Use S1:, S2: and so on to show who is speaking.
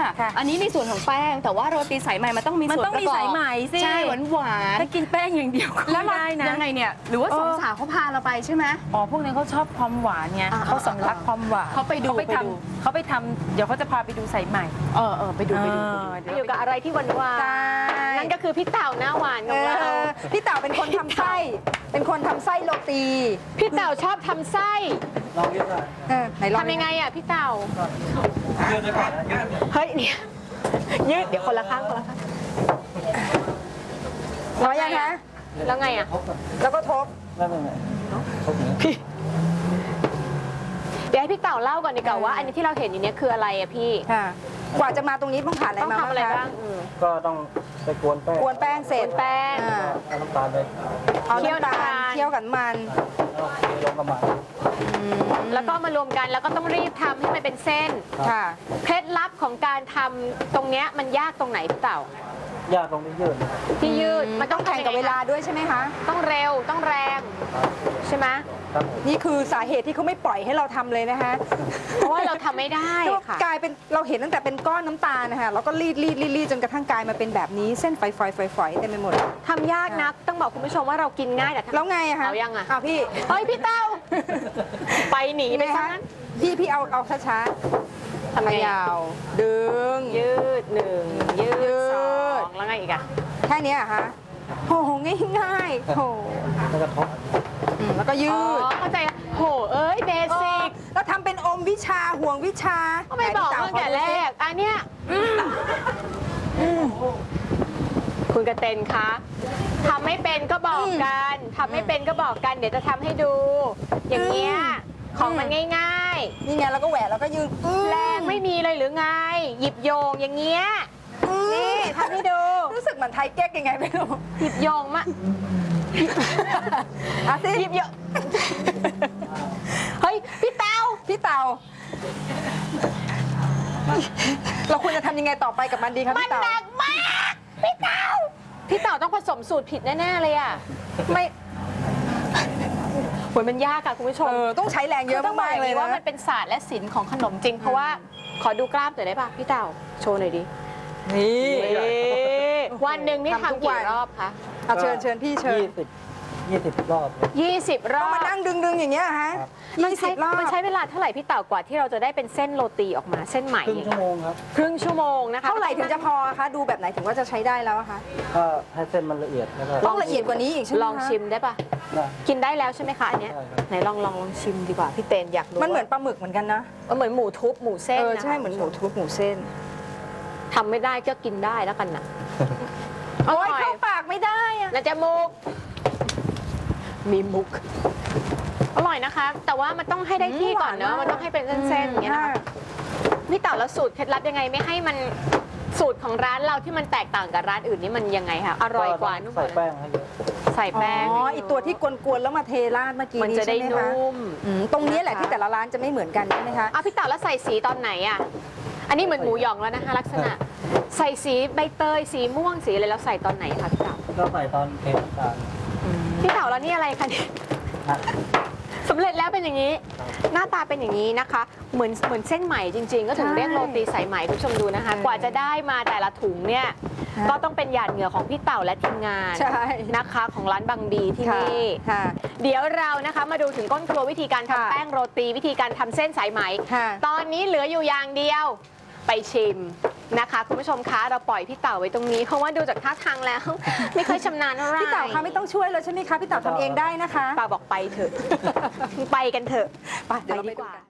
S1: ค่ะ
S2: ค่ะ
S1: อันนี้ในส่วนของแป้งแต่ว่าโรตีสายไหมมันต้องมี
S2: มัน
S1: ส่วน
S2: ต้อง
S1: ประ
S2: มี
S1: กอบ
S2: สายไหมสิ
S1: ใช่หวาน
S2: ถ้ากินแป้งอย่างเดียวก็
S1: แล้ว
S2: ไม่
S1: เรา
S2: ได้นะ
S1: ยังไงเนี่ยหรือว่าสองสาวเขาพาเราไปใช่ไหม
S2: อ๋อพวกนี้เขาชอบความหวานไง
S1: อ่า
S2: เขาสำลักความหวาน
S1: เขาไปดู
S2: เขาไปทำเดี๋ยวเขาจะพาไปดูสายใหม่
S1: ไปดู
S3: อยู่กับอะไรที่หวานหวาน
S2: ใช่
S3: นั่นก็คือพี่เต่าหน้าหวานของเรา
S2: พี่เต่าเป็นคนทำไส้เป็นคนทำไส้โรตี
S3: พี่เต่าชอบทำไส้
S4: ลองยืดได้
S2: ไหนลอง
S3: ทำยังไงอ่ะพี่เต่า
S4: ยืดได้ก่อนนะยืด
S3: เฮ้ยเนี่ยยืดเดี๋ยวคนละข้างคนละข้าง
S2: ร้อยยังคะ
S3: แล้วไงอ่ะ
S4: ทบก่อน
S2: แล้วก็ทบ
S4: ไม่ทบอย่างนี้
S3: เดี๋ยวให้พี่เต่าเล่าก่อนดีกว่าว่าอันนี้ที่เราเห็นอยู่เนี่ยคืออะไรอ่ะพี่
S2: ค่ะ กว่าจะมาตรงนี้ต้องผ่านอะไร
S3: ต้อง
S2: มา
S3: ทำอะไร
S2: คะ
S3: บ้าง
S4: ก็ต้องไปกวนแป้ง
S2: กวนแป้งเสร็จ
S3: กวนแป้ง
S2: อ่า
S4: เอาน้ำตาลไป
S2: เอา
S3: เคี่ยว
S2: น้ำตาล
S3: น้ำตาล
S2: เคี่ยวกับมัน
S4: แล้วลงกระมัง
S3: แล้วก็มารวมกันแล้วก็ต้องรีบทำให้มันเป็นเส้น
S2: ค่ะ
S3: เคล็ดลับของการทำตรงเนี้ยมันยากตรงไหนพี่เต่า
S4: ยากตรงที่ยืด
S3: ที่ยืด
S2: มันต้องแข่งกับเวลาด้วยใช่ไหมคะ
S3: ต้องเร็วต้องแรงใช่ไหม
S4: ครับผม
S2: นี่คือสาเหตุที่เขาไม่ปล่อยให้เราทำเลยนะคะ
S3: เพราะว่าเราทำไม่ได้ค่ะ
S2: กลายเป็นเราเห็นตั้งแต่เป็นก้อนน้ำตาลนะคะแล้วก็รีดจนกระทั่งกลายมาเป็นแบบนี้เส้นฝอยๆเต็มไปหมด
S3: ทำยากนักต้องบอกคุณผู้ชมว่าเรากินง่ายแต่ทำ
S2: แล้วไงอะคะ
S3: เอายังอะ
S2: เอาพี่
S3: เฮ้ยพี่เต้า ไปหนีไปซะงั้น
S2: พี่เอาช้าๆ
S3: ทำไง
S2: ยาวดึง
S3: ยืดหนึ่งยื
S2: ยื
S3: ด
S2: ด
S3: สองแล้วไงอีกอะ
S2: แค่เนี้ยเหรอคะโอ้โหง่ายๆโห
S4: แล้วก็ทบ
S2: แล้วก็ยื
S3: อ๋อ
S2: ด
S3: เข้าใจแล้วโหเอ้ยเบสิก
S2: แล้วทำเป็นอมวิชาห่วงวิชา
S3: ก็ไม่บอกตั้งแต่แรกอันเนี้ยคุณกระเตนคะทำไม่เป็นก็บอกกันทำไม่เป็นก็บอกกันเดี๋ยวจะทำให้ดู อย่างเงี้ยของมันง่าย
S2: นี่ไงแล้วก็แหวะแล้วก็ยืด
S3: ๆ แรงไม่มีเลยหรือไง หยิบโยงอย่างเงี้ยนี่ทำให้ดู
S2: รู้สึกเหมือนไทยเก๊กยังไงไม่รู้
S3: หยิบโยงมา
S2: อ่ะสิ
S3: หยิบโยงเฮ้ยพี่เต้า
S2: พี่เต่าเราควรจะทำยังไงต่อไปกับมันดีคะ
S3: มัน
S2: พี่เต่า
S3: หนักมากพี่เต้าพี่เต่าต้องผสมสูตรผิดแน่ๆเลยอ่ะ
S2: ไม่
S3: โหยมันยากอะคุณผู้ชม
S2: ต้องใช้แรงเยอะ
S3: ต้องบอ
S2: มาก ก
S3: อ
S2: ๆ
S3: ย่าง
S2: เลย
S3: นี้
S2: นะ
S3: ว่ามันเป็นศาสตร์และศิลป์ของขนมจริง เพราะว่าขอดูกล้ามหน่อยได้ป่ะพี่เต่าโชว์หน่อยดิ
S2: นี่
S3: วันหนึ่งนี่
S2: ทำทุก
S3: ทำ
S2: วั
S3: กี่
S2: น
S3: รอบคะ
S2: เอาเชิญพี่เชิญ
S4: 20 รอบเลย
S3: 20 ร
S2: ต้
S3: อ
S2: อง
S3: บ
S2: มานั่งดึงอย่างเงี้ยฮะ
S4: ครับ
S3: มันใช้
S2: 20 รอบ
S3: มันใช้เวลาเท่าไหร่พี่เต่ากว่าที่เราจะได้เป็นเส้นโรตีออกมาเส้นใหม่
S4: ครึ่งชั่วโมงครับ
S3: ครึ่งชั่วโมงนะคะ
S2: เท่าไหร่ถึงจะพอคะดูแบบไหนถึงว่าจะใช้ได้แล้วอะคะ
S4: ก็ให้เส้นมันละเอียดแล้วก็
S2: ต้องละเอียดกว่านี้อีกใช่ไหม
S3: ลอง
S2: คะ
S3: ชิมได้ป่ะ
S4: ได้
S3: กินได้แล้วใช่ไหมคะอันเนี้ย
S4: ได้ครับ
S3: ไหนลองชิมดีกว่าพี่เตนอยากรู้
S2: มันเหมือนปลาหมึกเหมือนกันนะ
S3: เหมือนหมูทุบหมูเส้นนะ
S2: ใช่เหมือนหมูทุบหมูเส้น
S3: ทำไม่ได้ก็กินได้แล้วกันนะ
S2: โอ้ยเข้าปากไม่ได้อะ
S3: นะจ๊ะมุก มีมุก อร่อยนะคะ แต่ว่ามันต้องให้ได้ที่ก่อนเนอะมันต้องให้เป็นเส้นๆอย่างเงี้ยนะคะพี่เต่าแล้วสูตรเคล็ดลับยังไงไม่ให้มันสูตรของร้านเราที่มันแตกต่างกับร้านอื่นนี่มันยังไงคะอร่อยกว่านุ่มก
S4: ใส่
S3: ว่า
S4: แป้งให้เยอะ
S3: ใส่แป้ง
S2: อ๋ออีตัวที่กวนๆแล้วมาเทราดเมื่อกี้
S3: มัน
S2: นี้
S3: จะได้
S2: ใช่ไหมคะ
S3: นุ่ม
S2: ตรงนี้แหละที่แต่ละร้านจะไม่เหมือนกันใช่ไหมคะ
S3: เอาพี่เต่าแล้วใส่สีตอนไหนอ่ะอันนี้เหมือนหมูหยองแล้วนะคะ ลักษณะ ใส่สีใบเตยสีม่วงสีอะไรแล้วใส่ตอนไหนคะพี่เต่า
S4: ก็ใส่ตอนเทน้ำตาล
S3: พี่เต่าแล้วนี่อะไรคะเนี่ย
S4: นะ
S3: สำเร็จแล้วเป็นอย่างนี้ หน้าตาเป็นอย่างนี้นะคะ เหมือนเส้นไหมจริง ๆ ก็ถึงเรียกโรตีสายไหมคุณผู้ชมดูนะคะ กว่าจะได้มาแต่ละถุงเนี่ยก็ต้องเป็นหยาดเหงื่อของพี่เต่าและทีมงาน
S2: ใช่
S3: นะคะของร้านบางบีที่
S2: ค่ะ
S3: นี่
S2: ค่ะ
S3: เดี๋ยวเรานะคะมาดูถึงก้นครัววิธีการ
S2: ค่ะ
S3: ทำแป้งโรตีวิธีการทำเส้นสายไหม
S2: ค่ะ
S3: ตอนนี้เหลืออยู่อย่างเดียวไปชิมนะคะ คุณผู้ชมคะเราปล่อยพี่เต่าไว้ตรงนี้เพราะว่าดูจากท่าทางแล้ว ไม่ค่อยชำนาญเท่าไหร่
S2: พี่เต่าคะไม่ต้องช่วยเลยใช่ไหมคะพี่เต่าทำเองได้นะคะ
S3: ป่าบอกไปเถอะ ไปกันเถอะ
S2: ไปเดี๋ยวเรา
S3: ไป
S2: ไป
S3: ดี
S2: ดู
S3: กว่า
S2: กัน